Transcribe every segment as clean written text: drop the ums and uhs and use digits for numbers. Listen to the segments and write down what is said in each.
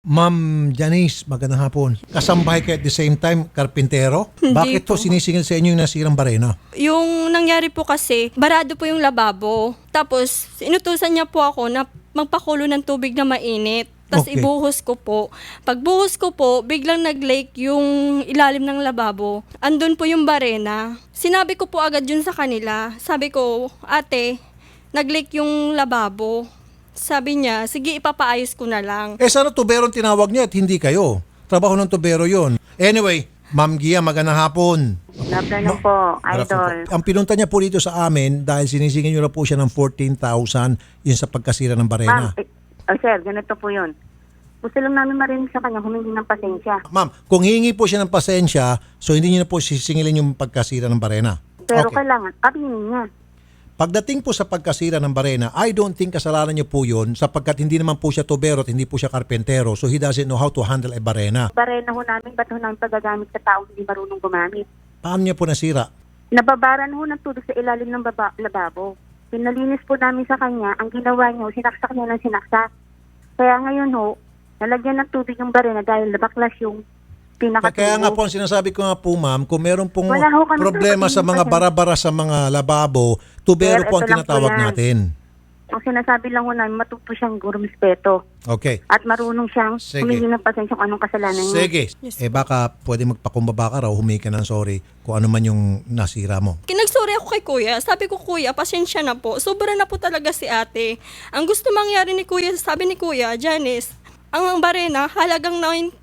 Ma'am Janice, magandang hapon. Kasambahay kayo at the same time, karpintero? Hindi Bakit po po. sinisingil sa inyo yung nasirang barena? Yung nangyari po kasi, barado po yung lababo. Tapos, inutusan niya po ako na magpakulo ng tubig na mainit. Tapos Okay. ibuhos ko po. Pagbuhos ko po, biglang nag-leak yung ilalim ng lababo. Andun po yung barena. Sinabi ko po agad yun sa kanila. Sabi ko, ate, nag-leak yung lababo. Sabi niya, sige ipapaayos ko na lang. Sana tubero ang tinawag niya at hindi kayo. Trabaho ng tubero yon. Anyway, Ma'am Gia, magandang hapon. Afternoon po, idol. Ang pinunta niya po dito sa amin dahil sinisingil niyo na po siya ng 14,000 yun sa pagkasira ng barena. Ma'am, sir, ganito po yun. Gusto lang namin marinig sa kanya, humingi ng pasensya. Ma'am, kung hingi po siya ng pasensya, so hindi niyo na po sisingilin yung pagkasira ng barena. Pero Okay. kailangan, aminin niya. Pagdating po sa pagkasira ng barena, I don't think kasalanan niyo po yun sapagkat hindi naman po siya tubero at hindi po siya karpentero. So he doesn't know how to handle a barena. Barena ho namin, ba't ho namin pagagamit sa taong hindi marunong gumamit? Paano niya po nasira? Nababaran ho ng tubig sa ilalim ng lababo. Pinalinis po namin sa kanya, ang ginawa niya, sinaksak niya ng sinaksak. Kaya ngayon ho, nalagyan ng tubig yung barena dahil nabaklas yung pinakatubo. Kaya nga po, ang sinasabi ko nga po ma'am, kung meron pong Wala ho kami problema sa mga bara-bara sa mga lababo, tubero Sir, po ang ito lang po tinatawag yan. natin. Ang sinasabi lang ho namin, matuto siyang gurumespeto. Okay. At marunong siyang Sige. humingi ng pasensya kung anong kasalanan niya. Sige. Baka pwede magpakumbaba ka raw, humingi ka ng sorry kung ano man yung nasira mo. Kinagsorry ako kay kuya. Sabi ko, kuya, pasensya na po. Sobra na po talaga si ate. Ang gusto mangyari ni kuya, sabi ni kuya, Janice, ang barena halagang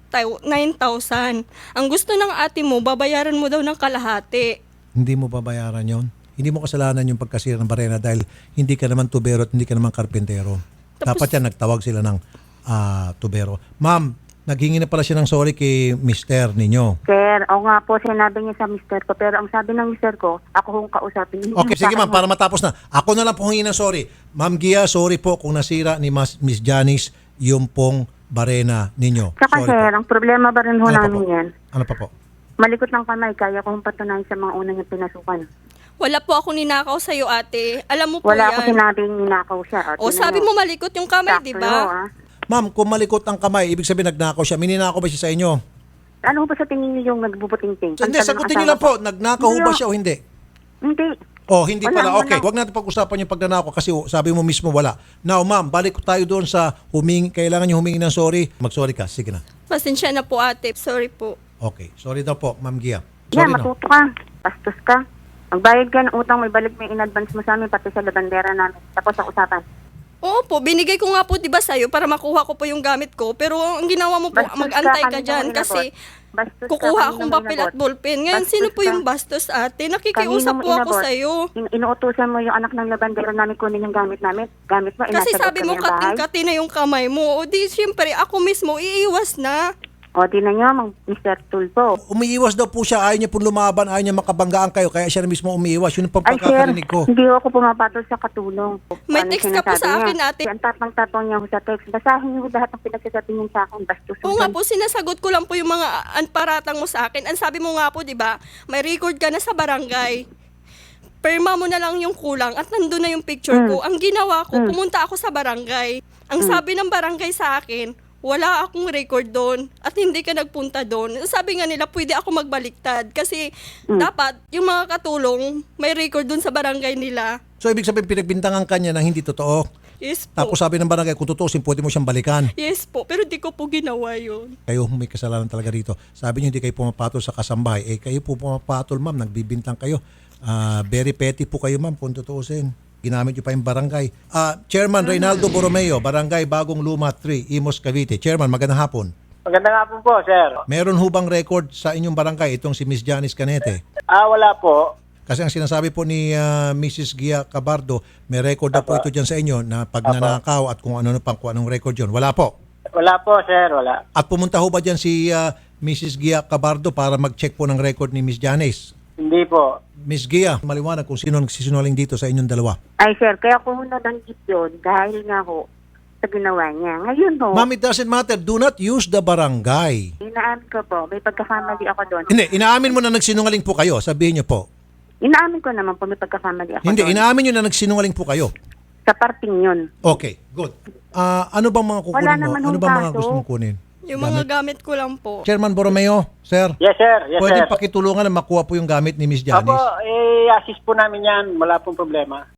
9,000. Ang gusto ng ate mo, babayaran mo daw ng kalahati. Hindi mo babayaran yon. Hindi mo kasalanan yung pagkasira ng barena dahil hindi ka naman tubero at hindi ka naman karpentero. Dapat yan, nagtawag sila ng tubero. Ma'am, naghingi na pala siya ng sorry kay mister ninyo. Sir, o nga po, sinabi niya sa mister ko. Pero ang sabi ng mister ko, ako hong kausapin. Hindi Okay, sa sige akin ma'am, para matapos na. Ako na lang po hingi ng sorry. Ma'am Gia, sorry po kung nasira ni Miss Janice yung pong barena ninyo. Saka Sorry sir, po. ang problema ba rin ho Ano pa namin po? yan? Ano pa po? Malikot ng kamay, kaya ko hong patunayan sa mga unang yung pinasukan. Wala po ako ninakaw sa'yo, ate. Alam mo po Wala yan. ako sinabing ninakaw siya. O sabi mo malikot yung kamay, di ba? Ma'am, kung malikot ang kamay, ibig sabihin nagnakaw siya. Mininakaw ba siya sa inyo? Ano ba sa tingin niyo yung nagbubuting-ting? Hindi, sagutin niyo lang po. Nagnakaw ba siya o hindi? Hindi. Oh, hindi Wala, pala. wala. Okay, huwag natin pag-usapan yung pagnanakaw kasi sabi mo mismo wala. Now, ma'am, balik tayo doon sa kailangan niyo humingi ng sorry. Mag-sorry ka. Sige na. Pasensya na po, ate. Sorry po. Okay. Sorry daw po, Ma'am Gia. Yeah, Sorry na. matuto ka. Pastos ka. Magbayad ka ng utang, may balik mo yung in-advance mo sa amin, pati sa labandera namin. Tapos ang usapan. Oo po, binigay ko nga po, di ba, sa'yo para makuha ko po yung gamit ko. Pero ang ginawa mo po, Bastos mag-antay ka kanina dyan mo kasi Bastos ka, kukuha kanina akong mo papel at inabot. ballpen. Ngayon, Bastos sino po ka. yung bastos, ate? Kanina Nakikiusap mo po ako inabot. sa'yo. Inuutusan mo yung anak ng labandera namin kunin yung gamit namin. Gamit mo, Kasi inasagot sabi kami mo, ng bahay. kating-kati na yung kamay mo. O di, siyempre, ako mismo, iiwas na. O, di na nyo, Mr. Tulpo. Umiiwas daw po siya. Ayaw niya pong lumaban. Ayaw niya makabanggaan kayo. Kaya siya na mismo umiiwas. Yun ang Ay, sir, pagkakarinig ko. hindi ako pumapatol sa katulong. May Ano text ka po sinasabi sa akin, niya? ate. Ang tapang-tapang niya ho sa text. Basahin niyo lahat ng pinagsasabi niya sa akin. Bastos. Oo nga po, sinasagot ko lang po yung mga paratang mo sa akin. Ang sabi mo nga po, di ba, may record ka na sa barangay. Perma mo na lang yung kulang at nandun na yung picture ko. Ang ginawa ko, pumunta ako sa barangay. Ang sabi ng barangay sa akin, wala akong record doon at hindi ka nagpunta doon. Sabi nga nila, pwede ako magbaliktad kasi dapat yung mga katulong may record doon sa barangay nila. So, ibig sabihin, pinagbintangan kanya ng hindi totoo. Yes po. Tapos sabi ng barangay, kung tutusin, pwede mo siyang balikan. Yes po, pero di ko po ginawa yun. Kayo may kasalanan talaga rito. Sabi niyo, hindi kayo pumapatol sa kasambahay. Kayo po pumapatol, ma'am. Nagbibintang kayo. Very petty po kayo, ma'am, kung tutusin. Ginamit niyo pa yung barangay. Chairman Reynaldo Borromeo, Barangay Bagong Luma 3, Imos, Cavite. Chairman, magandang hapon. Magandang hapon po, sir. Meron hubang record sa inyong barangay itong si Miss Janice Canete? Wala po. Kasi ang sinasabi po ni Mrs. Gia Cabardo, may record na po ito dyan sa inyo na pagnanakaw at kung ano pang kung anong record yun. Wala po. Wala po, sir. Wala. At pumunta ho ba dyan si Mrs. Gia Cabardo para mag-check po ng record ni Miss Janice? Hindi po. Miss Gia, maliwanag kung sino nagsisinungaling dito sa inyong dalawa. Ay, sir, kaya ko nabanggit yun dahil nga ho sa ginawa niya. Ngayon ho, Ma'am, it doesn't matter. Do not use the barangay. inaamin ko po, may pagkakamali ako doon. Hindi, inaamin mo na nagsinungaling po kayo. Sabihin niyo po. Inaamin ko naman po, may pagkakamali ako Hindi, doon. inaamin niyo na nagsinungaling po kayo. Sa parting yun. Okay, good. Ano bang mga kukunin Wala mo? naman Ano hong bang mga kaso. gusto mong kunin? Yung mga gamit ko lang po. Chairman Borromeo, sir, Yes, sir. Yes, pwede sir. pakitulungan na makuha po yung gamit ni Miss Janice? Apo, assist po namin yan. Wala pong problema.